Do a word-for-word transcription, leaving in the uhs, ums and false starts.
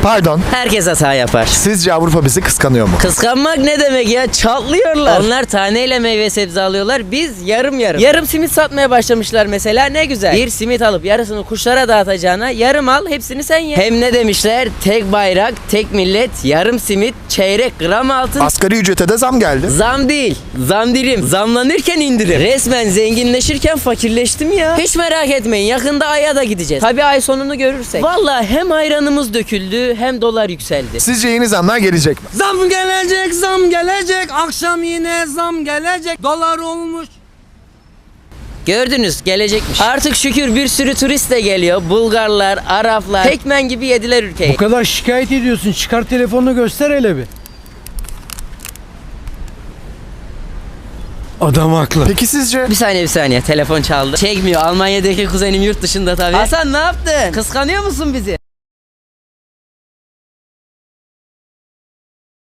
Pardon. Herkes hata yapar. Sizce Avrupa bizi kıskanıyor mu? Kıskanmak ne demek ya? Çatlıyorlar. Onlar taneyle meyve sebze alıyorlar. Biz yarım yarım. Yarım simit satmaya başlamışlar mesela. Ne güzel. Bir simit alıp yarısını kuşlara dağıtacağına yarım al, hepsini sen ye. Hem ne demişler? Tek bayrak, tek millet, yarım simit, çeyrek gram altın. Asgari ücrete de zam geldi. Zam değil, zam dilim. Zamlanırken indirim. Resmen zenginleşirken fakirleştim ya. Hiç merak etmeyin, yakında Ay'a da gideceğiz. Tabii ay sonunu görürsek. Vallahi hem ayranımız döküldü hem dolar yükseldi. Sizce yeni zamlar gelecek mi? Zam gelecek, zam gelecek. Akşam yine zam gelecek. Dolar olmuş. Gördünüz, gelecekmiş. Artık şükür bir sürü turist de geliyor. Bulgarlar, Araplar. Tekmen gibi yediler ülkeyi. Bu kadar şikayet ediyorsun. Çıkar telefonunu göster hele bir. Adam haklı. Peki sizce? Bir saniye bir saniye, telefon çaldı. Çekmiyor, Almanya'daki kuzenim yurt dışında tabii. Hasan ne yaptın? Kıskanıyor musun bizi?